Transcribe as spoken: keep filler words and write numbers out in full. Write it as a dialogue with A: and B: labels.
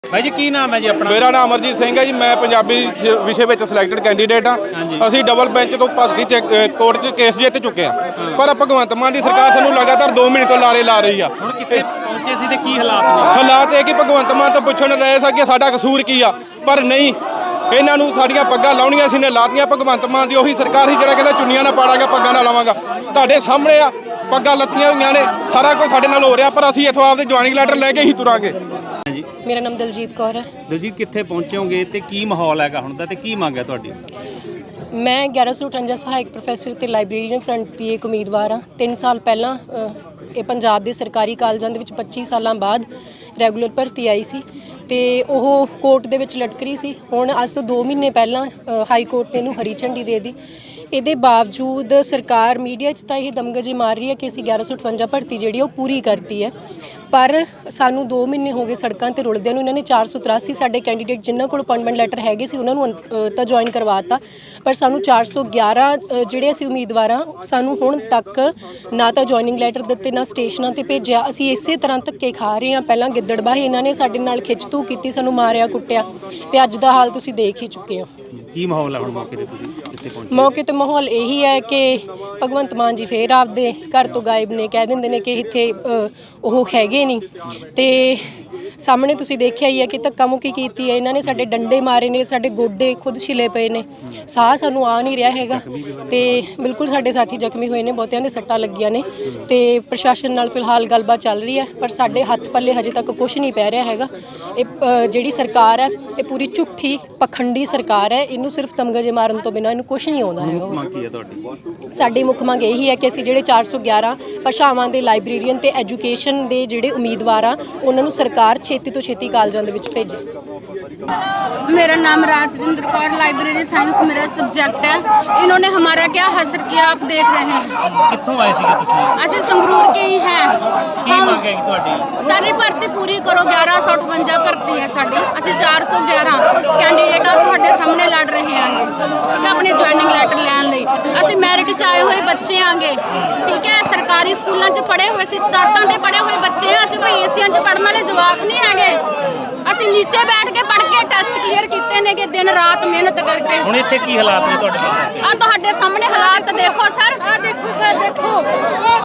A: भाई जी की नाम है जी अपना?
B: मेरा नाम अमरजीत सिंह है जी। मैं पंजाबी विषय में सिलेक्टेड कैंਡੀਡੇਟ हाँ। ਅਸੀਂ ਡਬਲ ਬੈਂਚ ਤੋਂ ਭਰਤੀ ਕੋਰਟ 'ਚ ਕੇਸ ਜਿੱਤ ਚੁੱਕੇ ਹਾਂ, ਪਰ ਭਗਵੰਤ ਮਾਨ ਦੀ ਸਰਕਾਰ ਸਾਨੂੰ ਲਗਾਤਾਰ ਦੋ ਮਹੀਨੇ ਤੋਂ ਲਾਰੇ ਲਾ ਰਹੀ ਆ।
A: ਹੁਣ ਕਿੱਥੇ ਪਹੁੰਚੇ ਸੀ ਤੇ ਕੀ ਹਾਲਾਤ ਨੇ?
B: ਹਾਲਾਤ ਇਹ ਕਿ ਭਗਵੰਤ ਮਾਨ ਤੋਂ ਪੁੱਛਣ ਰਹੇ ਸੀ ਕਿ ਸਾਡਾ ਕਸੂਰ ਕੀ ਆ, ਪਰ ਨਹੀਂ, ਇਹਨਾਂ ਨੂੰ ਸਾਡੀਆਂ ਪੱਗਾਂ ਲਾਉਣੀਆਂ ਸੀ ਨੇ ਲਾਤੀਆਂ। ਭਗਵੰਤ ਮਾਨ ਦੀ ਉਹੀ ਸਰਕਾਰ ਸੀ ਜਿਹੜਾ ਕਹਿੰਦਾ ਚੁੰਨੀਆਂ ਨਾ ਪਾੜਾਂਗਾ, ਪੱਗਾਂ ਨਾ ਲਾਵਾਂਗਾ। ਤੁਹਾਡੇ ਸਾਹਮਣੇ ਆ, ਪੱਗਾਂ ਲੱਥੀਆਂ ਹੋਈਆਂ ਨੇ, ਸਾਰਾ ਕੁਝ ਸਾਡੇ ਨਾਲ ਹੋ ਰਿਹਾ, ਪਰ ਅਸੀਂ ਇੱਥੋਂ ਆਪਦੇ ਜੁਆਇਨਿੰਗ ਲੈਟਰ ਲੈ ਕੇ ਹੀ ਤੁਰਾਂਗੇ।
C: ਮੇਰਾ ਨਾਮ ਦਲਜੀਤ ਕੌਰ ਹੈ।
A: ਦਲਜੀਤ ਕਿੱਥੇ ਪਹੁੰਚੋਗੇ ਤੇ ਕੀ ਮਾਹੌਲ ਹੈਗਾ ਹੁਣ ਦਾ ਤੇ ਕੀ ਮੰਗ ਹੈ ਤੁਹਾਡੀ?
C: ਮੈਂ ਗਿਆਰਾਂ ਸੌ ਅਠਵੰਜਾ ਸਹਾਇਕ ਪ੍ਰੋਫੈਸਰ ਤੇ ਲਾਇਬ੍ਰੇਰੀਅਨ ਫਰੰਟ ਦੀ ਇੱਕ ਉਮੀਦਵਾਰ ਹਾਂ। ਤਿੰਨ ਸਾਲ ਪਹਿਲਾਂ ਇਹ ਪੰਜਾਬ ਦੇ ਸਰਕਾਰੀ ਕਾਲਜਾਂ ਦੇ ਵਿੱਚ ਪੱਚੀ ਸਾਲਾਂ ਬਾਅਦ ਰੈਗੂਲਰ ਭਰਤੀ ਆਈ ਸੀ ਤੇ ਉਹ ਕੋਰਟ ਦੇ ਵਿੱਚ ਲਟਕ ਰਹੀ ਸੀ। ਹੁਣ ਅੱਜ ਤੋਂ ਦੋ ਮਹੀਨੇ ਪਹਿਲਾਂ ਹਾਈ ਕੋਰਟ ਨੇ ਇਹਨੂੰ ਹਰੀ ਝੰਡੀ ਦੇ ਦਿੱਤੀ। ਇਹਦੇ ਬਾਵਜੂਦ ਸਰਕਾਰ ਮੀਡੀਆ 'ਚ ਤਾਂ ਇਹ ਦਮਗਜੇ ਮਾਰ ਰਹੀ ਹੈ ਕਿ ਅਸੀਂ ਗਿਆਰਾਂ ਸੌ ਅਠਵੰਜਾ ਭਰਤੀ ਜਿਹੜੀ ਉਹ ਪੂਰੀ ਕਰਤੀ ਹੈ, ਪਰ ਸਾਨੂੰ ਦੋ ਮਹੀਨੇ ਹੋ ਗਏ ਸੜਕਾਂ 'ਤੇ ਰੁਲਦਿਆਂ ਨੂੰ। ਇਹਨਾਂ ਨੇ ਚਾਰ ਸੌ ਤਰਾਸੀ ਸਾਡੇ ਕੈਂਡੀਡੇਟ ਜਿਨ੍ਹਾਂ ਕੋਲ ਅਪਾਇੰਟਮੈਂਟ ਲੈਟਰ ਹੈਗੇ ਸੀ ਉਹਨਾਂ ਨੂੰ ਤਾਂ ਜੁਆਇਨ ਕਰਵਾਤਾ, ਪਰ ਸਾਨੂੰ ਚਾਰ ਸੌ ਗਿਆਰਾਂ ਜਿਹੜੇ ਅਸੀਂ ਉਮੀਦਵਾਰ ਹਾਂ ਸਾਨੂੰ ਹੁਣ ਤੱਕ ਨਾ ਤਾਂ ਜੁਆਇਨਿੰਗ ਲੈਟਰ ਦਿੱਤੇ, ਨਾ ਸਟੇਸ਼ਨਾਂ 'ਤੇ ਭੇਜਿਆ। ਅਸੀਂ ਇਸੇ ਤਰ੍ਹਾਂ ਧੱਕੇ ਖਾ ਰਹੇ ਹਾਂ। ਪਹਿਲਾਂ ਗਿੱਦੜਬਾਹੀ ਇਹਨਾਂ ਨੇ ਸਾਡੇ ਨਾਲ ਖਿੱਚਤੂ ਕੀਤੀ, ਸਾਨੂੰ ਮਾਰਿਆ ਕੁੱਟਿਆ, ਤੇ ਅੱਜ ਦਾ ਹਾਲ ਤੁਸੀਂ ਦੇਖ ਹੀ ਚੁੱਕੇ ਹੋ।
A: ਕੀ ਮਾਹੌਲ ਹੈ ਹੁਣ ਮੌਕੇ ਤੇ ਤੁਸੀਂ ਕਿੱਥੇ ਪਹੁੰਚੇ?
C: ਮੌਕੇ ਤੇ ਮਾਹੌਲ ਇਹੀ ਹੈ ਕਿ ਭਗਵੰਤ ਮਾਨ ਜੀ ਫੇਰ ਆਪਦੇ ਘਰ ਤੋਂ ਗਾਇਬ ਨੇ। ਕਹਿ ਦਿੰਦੇ ਨੇ ਕਿ ਇੱਥੇ ਉਹ ਹੈਗੇ ਨਹੀਂ, ਤੇ ਸਾਹਮਣੇ ਤੁਸੀਂ ਦੇਖਿਆ ਹੀ ਹੈ ਕਿ ਧੱਕਾ ਮੁੱਕੀ ਕੀਤੀ ਹੈ ਇਹਨਾਂ ਨੇ। ਸਾਡੇ ਡੰਡੇ ਮਾਰੇ ਨੇ, ਸਾਡੇ ਗੋਡੇ ਖੁਦ ਛਿਲੇ ਪਏ ਨੇ, ਸਾਹ ਸਾਨੂੰ ਆ ਨਹੀਂ ਰਿਹਾ ਹੈਗਾ, ਤੇ ਬਿਲਕੁਲ ਸਾਡੇ ਸਾਥੀ ਜ਼ਖਮੀ ਹੋਏ ਨੇ, ਬਹੁਤਿਆਂ ਦੇ ਸੱਟਾਂ ਲੱਗੀਆਂ ਨੇ, ਤੇ ਪ੍ਰਸ਼ਾਸਨ ਨਾਲ ਫਿਲਹਾਲ ਗੱਲਬਾਤ ਚੱਲ ਰਹੀ ਹੈ, ਪਰ ਸਾਡੇ ਹੱਥ ਪੱਲੇ ਹਜੇ ਤੱਕ ਕੁਝ ਨਹੀਂ ਪੈ ਰਿਹਾ ਹੈਗਾ। ਇਹ ਜਿਹੜੀ ਸਰਕਾਰ ਹੈ ਇਹ ਪੂਰੀ ਝੂਠੀ ਪਖੰਡੀ ਸਰਕਾਰ ਹੈ। ਇਹਨੂੰ ਸਿਰਫ ਤਮਗਜੇ ਮਾਰਨ ਤੋਂ ਬਿਨਾਂ ਇਹਨੂੰ ਕੁਝ ਨਹੀਂ ਆਉਂਦਾ ਹੈਗਾ।
A: ਮੰਗ ਕੀ ਹੈ ਤੁਹਾਡੀ?
C: ਸਾਡੀ ਮੁੱਖ ਮੰਗ ਇਹੀ ਹੈ ਕਿ ਅਸੀਂ ਜਿਹੜੇ ਚਾਰ ਸੌ ਗਿਆਰਾਂ ਭਾਸ਼ਾਵਾਂ ਦੇ ਲਾਇਬ੍ਰੇਰੀਅਨ ਤੇ ਐਜੂਕੇਸ਼ਨ ਦੇ ਜਿਹੜੇ ਉਮੀਦਵਾਰ ਆ ਉਹਨਾਂ ਨੂੰ ਸਰਕਾਰ ਛੇਤੀ ਤੋਂ ਛੇਤੀ ਕਾਲਜਾਂ ਦੇ ਵਿੱਚ ਭੇਜੇ।
D: मेरा नाम राजविंद्र कौर, लाइब्रेरी साइंस मेरा सब्जेक्ट है। इन्होंने हमारा क्या हसर किया आप देख रहे हैं।
A: ਕਿੱਥੋਂ ਆਏ ਸੀਗੇ ਤੁਸੀਂ?
D: ਅਸੀਂ ਸੰਗਰੂਰ के ही हैं।
A: ਕੀ ਮੰਗ ਹੈ ਤੁਹਾਡੀ?
D: ਸਾਡੀ ਭਰਤੀ ਪੂਰੀ ਕਰੋ। ਗਿਆਰਾਂ ਸੌ ਅਠਵੰਜਾ ਭਰਤੀ ਹੈ ਸਾਡੀ। ਅਸੀਂ ਚਾਰ ਸੌ ਗਿਆਰਾਂ ਕੈਂਡੀਡੇਟਾਂ ਤੁਹਾਡੇ ਸਾਹਮਣੇ ਲੜ ਰਹੇ ਆਂਗੇ, ਠੀਕ ਹੈ, ਆਪਣੇ ਜੁਆਇਨਿੰਗ ਲੈਟਰ ਲੈਣ ਲਈ। ਅਸੀਂ ਮੈਰਿਟ 'ਚ ਆਏ ਹੋਏ ਬੱਚੇ ਆਂਗੇ, ਠੀਕ ਹੈ, ਸਰਕਾਰੀ ਸਕੂਲਾਂ 'ਚ ਪੜ੍ਹੇ ਹੋਏ ਸੀ, ਟਾਟਾਂ ਦੇ ਪੜ੍ਹੇ ਹੋਏ ਬੱਚੇ ਆ। ਅਸੀਂ ਕੋਈ ਏਸੀਆਂ 'ਚ ਪੜ੍ਹਨ ਵਾਲੇ ਜਵਾਕ ਨਹੀਂ ਹੈਗੇ। ਅਸੀਂ ਨੀਚੇ ਬੈਠ ਕੇ ਪੜ੍ਹ ਕੇ ਟੈਸਟ ਕਲੀਅਰ ਕੀਤੇ ਨੇ ਕਿ ਦਿਨ ਰਾਤ ਮਿਹਨਤ ਕਰਕੇ।
A: ਹੁਣ ਇੱਥੇ ਕੀ ਹਾਲਾਤ ਨੇ ਤੁਹਾਡੇ?
D: ਆ ਤੁਹਾਡੇ ਸਾਹਮਣੇ ਹਾਲਾਤ ਦੇਖੋ ਸਰ, ਆ ਦੇਖੋ ਸਰ, ਦੇਖੋ।